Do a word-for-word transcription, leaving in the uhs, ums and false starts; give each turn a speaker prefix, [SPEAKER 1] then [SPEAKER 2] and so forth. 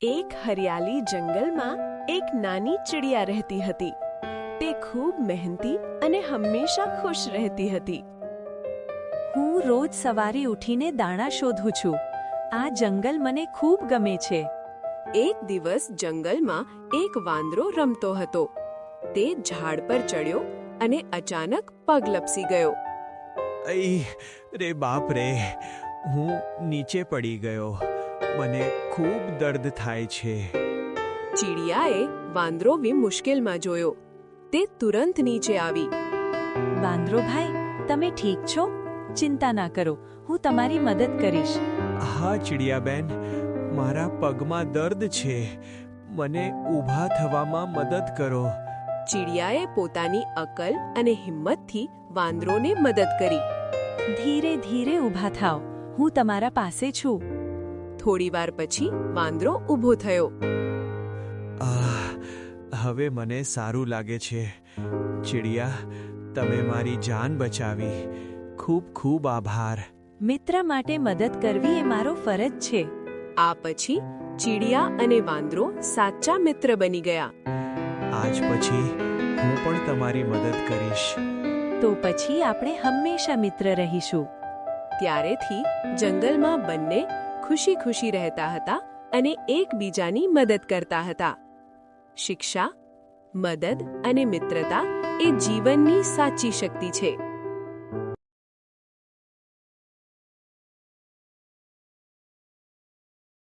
[SPEAKER 1] એક હરિયાળી જંગલમાં એક નાની ચિડિયા રહેતી હતી. તે ખૂબ મહેનતી અને હંમેશા ખુશ રહેતી હતી.
[SPEAKER 2] હું રોજ સવારે ઉઠીને દાણા શોધું છું. આ જંગલ મને ખૂબ ગમે છે.
[SPEAKER 1] એક દિવસ જંગલમાં એક વાંદરો રમતો હતો. તે ઝાડ પર ચડ્યો અને અચાનક પગ લપસી ગયો.
[SPEAKER 3] અઈ રે બાપ રે, હું નીચે પડી ગયો. મને ખૂબ દર્દ થાય છે.
[SPEAKER 1] ચીડિયાએ વાંદરો વી મુશ્કેલમાં જોયો. તે તુરંત નીચે આવી.
[SPEAKER 2] વાંદરો ભાઈ, તમે ઠીક છો? ચિંતા ના કરો, હું તમારી મદદ કરીશ.
[SPEAKER 3] હા ચિડિયાબેન, મારા પગમાં દર્દ છે. મને ઊભા થવામાં મદદ કરો.
[SPEAKER 1] ચીડિયાએ પોતાની અકલ અને હિંમતથી વાંદરોને મદદ કરી.
[SPEAKER 2] ધીરે ધીરે ઊભા થાઓ, હું તમારા પાસે છું.
[SPEAKER 1] થોડીવાર પછી વાંદરો ઊભો થયો.
[SPEAKER 3] આહ, હવે મને સારું લાગે છે. ચિડિયા, તમે મારી જાન બચાવી. ખૂબ ખૂબ આભાર.
[SPEAKER 2] મિત્ર માટે મદદ કરવી એ મારો ફરજ છે.
[SPEAKER 1] આ પછી ચીડિયા અને વાંદરો સાચા મિત્ર બની ગયા.
[SPEAKER 3] આજ પછી હું પણ તમારી મદદ કરીશ.
[SPEAKER 2] તો પછી આપણે હંમેશા મિત્ર રહીશું.
[SPEAKER 1] ત્યારેથી જંગલમાં બંને ખુશી ખુશી રહેતા હતા અને એકબીજાની મદદ કરતા હતા. શિક્ષા, મદદ અને મિત્રતા એ જીવનની સાચી શક્તિ છે.